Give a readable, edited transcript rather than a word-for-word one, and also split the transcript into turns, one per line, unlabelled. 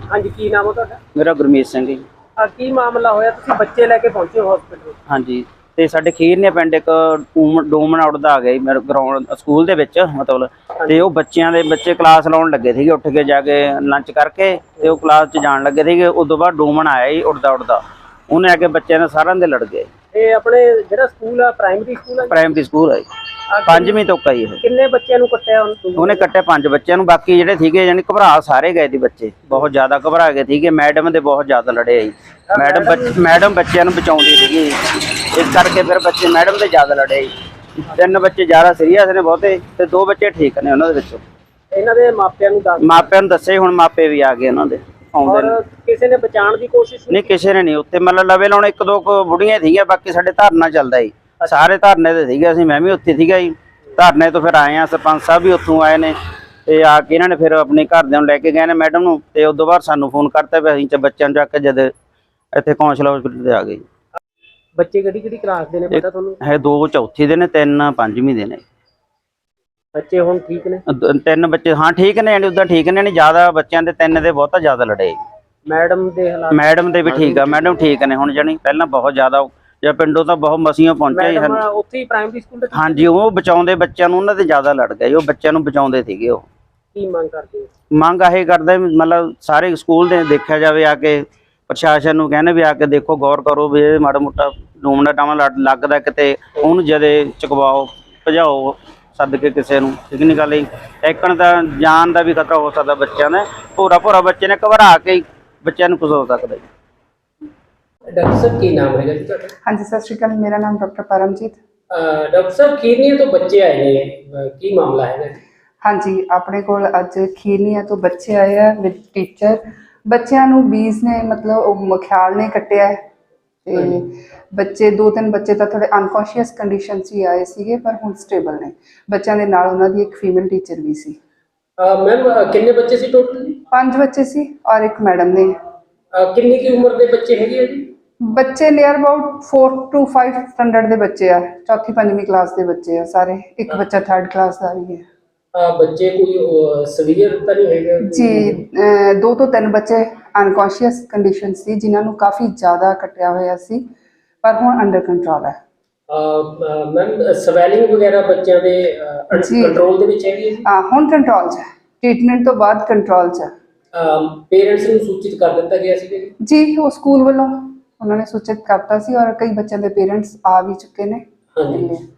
हाँ जी, की नाम है तुहाडा?
मेरा गुरमीत ਸਿੰਘ ਜੀ।
की मामला होया तुसीं बच्चे लेके पहुंचे हो हॉस्पिटल?
ਹਾਂਜੀ ਤੇ ਸਾਡੇ ਖੀਰਨੇ ਪਿੰਡ ਇੱਕ ਡੂਮਨ ਉੱਡਦਾ ਆ ਗਿਆ ਜੀ ਮੇਰੇ ਗਰਾਊਂਡ ਸਕੂਲ ਦੇ ਵਿੱਚ ਮਤਲਬ ਤੇ ਉਹ ਬੱਚਿਆਂ ਦੇ ਬੱਚੇ ਕਲਾਸ ਲਾਉਣ ਲੱਗੇ ਸੀਗੇ ਉੱਠ ਕੇ ਜਾ ਕੇ ਲੰਚ ਕਰਕੇ ਤੇ ਉਹ ਕਲਾਸ 'ਚ ਜਾਣ ਲੱਗੇ ਸੀਗੇ। ਉਦੋਂ ਬਾਅਦ ਡੂਮਨ ਆਇਆ ਜੀ ਉੱਡਦਾ ਉਹਨੇ ਆ ਕੇ ਬੱਚਿਆਂ ਨਾਲ ਸਾਰਿਆਂ ਦੇ ਲੜ ਗਏ।
ਇਹ ਆਪਣੇ ਜਿਹੜਾ ਸਕੂਲ ਆ ਪ੍ਰਾਇਮਰੀ ਸਕੂਲ ਆ?
ਪ੍ਰਾਇਮਰੀ ਸਕੂਲ ਹੈ, 5ਵੀਂ ਤੋਂ ਕਈ ਇਹ।
ਕਿੰਨੇ ਬੱਚਿਆਂ ਨੂੰ ਕੱਟਿਆ
ਉਹਨੇ ਕੱਟਿਆ 5 ਬੱਚਿਆਂ ਨੂੰ, ਬਾਕੀ ਜਿਹੜੇ ਸੀਗੇ ਯਾਨੀ ਘਬਰਾ ਸਾਰੇ ਗਏ ਸੀ ਬੱਚੇ, ਬਹੁਤ ਜ਼ਿਆਦਾ ਘਬਰਾ ਗਏ ਸੀਗੇ। ਮੈਡਮ ਦੇ ਬਹੁਤ ਜ਼ਿਆਦਾ ਲੜੇ ਜੀ। ਮੈਡਮ ਬੱਚਿਆਂ ਨੂੰ ਬਚਾਉਂਦੀ ਸੀਗੀ, ਇਸ ਕਰਕੇ ਫਿਰ ਬੱਚੇ ਮੈਡਮ ਦੇ ਜ਼ਿਆਦਾ ਲੜੇ ਜੀ। 3 ਬੱਚੇ ਜ਼ਿਆਦਾ ਸੀਰੀਅਸ ਨੇ ਬਹੁਤੇ ਤੇ 2 ਬੱਚੇ ਠੀਕ ਨੇ ਉਹਨਾਂ ਦੇ ਵਿੱਚੋਂ।
ਇਹਨਾਂ ਦੇ ਮਾਪਿਆਂ ਨੂੰ
ਦੱਸੇ, ਹੁਣ ਮਾਪੇ ਵੀ ਆ ਗਏ ਉਹਨਾਂ ਦੇ ਆਉਂਦੇ ਨੇ।
ਕਿਸੇ ਨੇ ਬਚਾਉਣ ਦੀ ਕੋਸ਼ਿਸ਼
ਨਹੀਂ, ਕਿਸੇ ਨੇ ਨਹੀਂ। ਉੱਥੇ ਮਤਲਬ ਲਵੇ ਲਾਉਣ 1-2 ਬੁੜੀਆਂ ਸੀਗੀਆਂ, ਬਾਕੀ ਸਾਡੇ ਧਰਨਾ ਚੱਲਦਾ ਜੀ, ਸਾਰੇ ਧਰਨੇ ਤੇ ਸੀਗੇ। ਅਸੀਂ ਮੈਂ ਵੀ ਉੱਥੇ ਸੀਗਾ ਜੀ, ਧਰਨੇ ਤੋਂ ਫਿਰ ਆਏ ਆ। ਸਰਪੰਚ ਸਾਹਿਬ ਵੀ ਉੱਥੋਂ ਆਏ ਨੇ ਤੇ ਆ ਕੇ ਇਹਨਾਂ ਨੇ ਫਿਰ ਆਪਣੇ ਘਰਦਿਆਂ ਨੂੰ ਲੈ ਕੇ ਗਏ ਨੇ ਮੈਡਮ ਨੂੰ, ਤੇ ਉਦੋਂ ਬਾਅਦ ਸਾਨੂੰ ਫੋਨ ਕਰਤਾ ਵੀ ਅਸੀਂ ਬੱਚਿਆਂ ਨੂੰ ਚੱਕ ਕੇ ਜਦ ਇੱਥੇ ਕੌਂਸਲ ਹਸਪੀਟਲ ਤੇ ਆ ਗਏ।
ਬੱਚੇ ਕਿਹੜੀ ਕਲਾਸ ਦੇ ਨੇ ਪਤਾ ਤੁਹਾਨੂੰ?
ਹੈ 2 ਚੌਥੀ ਦੇ ਨੇ, 3 5ਵੀਂ ਦੇ ਨੇ।
ਬੱਚੇ ਹੁਣ ਠੀਕ ਨੇ?
3 ਬੱਚੇ ਹਾਂ ਠੀਕ ਨੇ, ਯਾਨੀ ਉਦਾਂ ਠੀਕ ਨੇ, ਨਹੀਂ ਜ਼ਿਆਦਾ ਬੱਚਿਆਂ ਦੇ 3 ਦੇ ਬਹੁਤਾ ਜ਼ਿਆਦਾ ਲੜੇ।
ਮੈਡਮ ਦੇ ਹਾਲਾਤ?
ਮੈਡਮ ਦੇ ਵੀ ਠੀਕ ਆ, ਮੈਡਮ ਠੀਕ ਨੇ ਹੁਣ, ਜਾਣੀ ਪਹਿਲਾਂ ਬਹੁਤ ਜ਼ਿਆਦਾ ਜਾਂ ਪਿੰਡੋਂ ਤਾਂ ਬਹੁਤ ਮਸੀਆਂ ਪਹੁੰਚਿਆ ਜੀ।
ਉੱਥੇ ਹੀ ਪ੍ਰਾਇਮਰੀ ਸਕੂਲ ਦੇ?
ਹਾਂਜੀ, ਉਹ ਬਚਾਉਂਦੇ ਬੱਚਿਆਂ ਨੂੰ, ਉਹਨਾਂ ਤੇ ਜ਼ਿਆਦਾ ਲੜ ਗਏ। ਉਹ ਬੱਚਿਆਂ ਨੂੰ ਬਚਾਉਂਦੇ ਸੀਗੇ। ਉਹ
ਕੀ ਮੰਗ ਕਰਦੇ ਹੋ?
ਮੰਗ ਇਹ ਕਰਦੇ ਮਤਲਬ ਸਾਰੇ ਸਕੂਲ ਦੇ ਦੇਖਿਆ ਜਾਵੇ, ਆ ਕੇ ਪ੍ਰਸ਼ਾਸਨ ਨੂੰ ਕਹਿੰਦੇ ਵੀ ਆ ਕੇ ਦੇਖੋ, ਗੌਰ ਕਰੋ ਵੀ ਇਹ ਮਾੜਾ ਮੋਟਾ ਡੂਮਣਾ ਟਾਵਾਂ ਲੱਗਦਾ ਕਿਤੇ, ਉਹਨੂੰ ਜਦੇ ਚੁਕਵਾਓ, ਭਜਾਓ ਸੱਦ ਕੇ ਕਿਸੇ ਨੂੰ। ਠੀਕ ਨਹੀਂ ਗੱਲ ਜੀ, ਇੱਕਣ ਦਾ ਜਾਨ ਦਾ ਵੀ ਖਤਰਾ ਹੋ ਸਕਦਾ ਬੱਚਿਆਂ ਦਾ। ਭੋਰਾ ਬੱਚੇ ਨੇ ਘਬਰਾ ਕੇ ਬੱਚਿਆਂ ਨੂੰ ਕੁਝ ਹੋ ਸਕਦਾ ਜੀ।
ਡਾਕਟਰ ਸਾਹਿਬ ਕੀ ਨਾਮ ਹੈਗਾ ਜੀ ਤੁਹਾਡਾ?
हाँ जी, सत श्री अकाल। मेरा नाम डॉक्टर परमजीत।
डॉक्टर साहब खीरनिया तो बच्चे आए ने, की मामला है?
हाँ जी, अपने कोल अज खीरनिया तो बच्चे आए हैं विद टीचर। बच्चों नूं बीज ने मतलब ख्याल ने कट्टिया है ते बच्चे 2-3 बच्चे तो थोड़े अनकॉन्शियस कंडीशन च आए सीगे, पर हुण स्टेबल ने। बच्चों के नाल उन्हां दी एक फीमेल टीचर भी सी।
मैम कितने बच्चे सी टोटल?
5 बच्चे सी और एक मैडम ने।
कितनी की उम्र के बच्चे है जी?
बच्चे नियर अबाउट 4 to 5 स्टैंडर्ड के बच्चे आ, 4वीं-5वीं क्लास के बच्चे आ सारे। एक बच्चा 3rd क्लास का भी है।
बच्चे कोई सीवियर तो नहीं है
जी? 2 तो 3 बच्चे अनकॉन्शियस कंडीशन सी, जिन्होंने काफ़ी ज़्यादा कटिया होया सी, पर हुण अंडर कंट्रोल है।
मैम स्वैलिंग वगैरह बच्चों के कंट्रोल दे विच हैगी?
हाँ, हुण कंट्रोल च है, ट्रीटमेंट तो बाद कंट्रोल च है।
पेरेंट्स नूं सूचित कर दिता गया सी
जी? वो स्कूल वालों उन्होंने सूचित करता सी और कई बच्चों के पेरेंट्स आ भी चुके ने।
हाँ जी।